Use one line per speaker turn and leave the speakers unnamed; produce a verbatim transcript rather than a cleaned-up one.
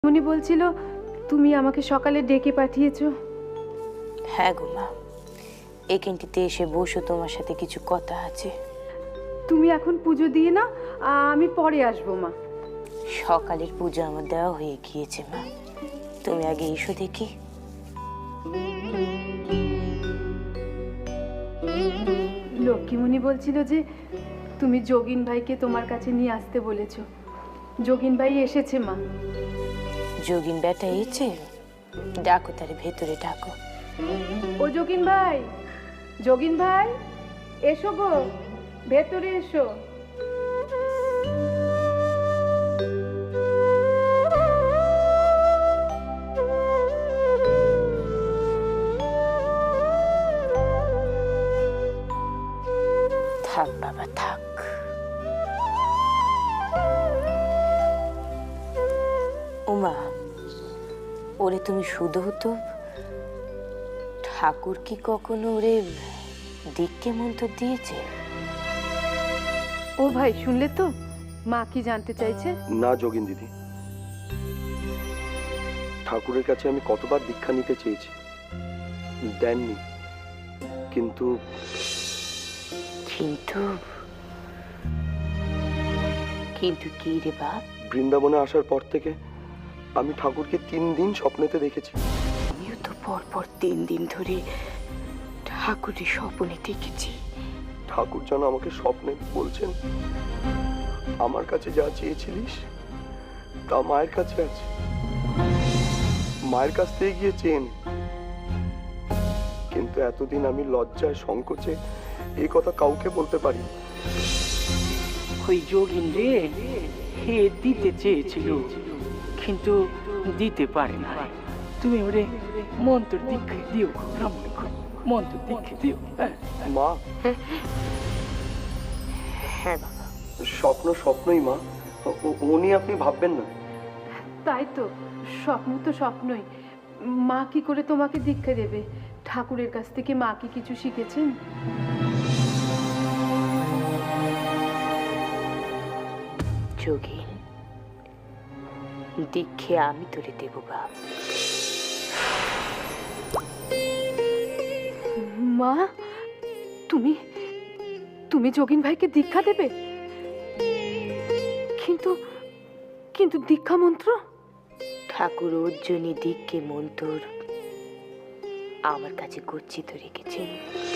উনি বলছিল তুমি আমাকে সকালে ডেকে পাঠিয়েছো।
হ্যাঁ গো মা, এখানটিতে এসে বসো, তোমার সাথে কিছু কথা আছে।
তুমি এখন পুজো দিয়ে না, আমি পরে আসবো মা।
সকালের পুজো আমার দেওয়া হয়ে গিয়েছে মা, তুমি আগে এসো দেখি।
লক্ষ্মীমণি বলছিল যে তুমি যোগিন ভাইকে তোমার কাছে নিয়ে আসতে বলেছো। যোগিন ভাই এসেছে মা।
যোগিন বেটা এসেছে? ডাকো তারে, ভেতরে ডাকো।
ও যোগিন ভাই, যোগিন ভাই এসো গো, ভেতরে এসো।
থাক বাবা থাক। উমা, ওরে তুমি শুধু তো ঠাকুর কি কখনো ওরে দিককে মন্ত্র দিয়েছে?
ও ভাই, শুনলে তো মা কি জানতে চাইছে?
না যোগিন দিদি, ঠাকুরের কাছে আমি কতবার দীক্ষা নিতে চেয়েছি, দেননি। কিন্তু
কিন্তু কিন্তু কি রে বাপ?
বৃন্দাবনে আসার পর থেকে আমি ঠাকুরকে তিন দিন স্বপ্নেতে দেখেছি।
আমিও তো পর পর তিন দিন ধরে ঠাকুরের স্বপ্নে দেখেছি।
ঠাকুর যেন আমাকে স্বপ্নে বলছেন, আমার কাছে যা চেয়েছিলিস তা মায়ের কাছে আছে, মায়ের কাছ থেকে গিয়ে চেন। কিন্তু এতদিন আমি লজ্জায় সংকোচে এই কথা কাউকে বলতে পারি।
ওই যোগিন রে হে দিতে চেয়েছিল, কিন্তু দিতে পারে না। তুমি ওরে মন্ত্র দীক্ষা দিও, মন্ত্র দীক্ষা দিও।
মা,
হ্যাঁ বাবা,
স্বপ্ন স্বপ্নই মা, উ- উনি আপনি ভাববেন না।
তাই তো, স্বপ্ন তো স্বপ্নই। মা কি করে তোমাকে দীক্ষা দেবে? ঠাকুরের কাছ থেকে মা কি কিছু শিখেছেন?
যোগিন, দীক্ষে আমি তোরে দেব বাপ।
মা, তুমি তুমি যোগিন ভাইকে দীক্ষা দেবে? কিন্তু কিন্তু দীক্ষা মন্ত্র?
ঠাকুর অর্জুনী দীক্ষে মন্তর আমার কাছে গচ্ছিত রেখেছেন।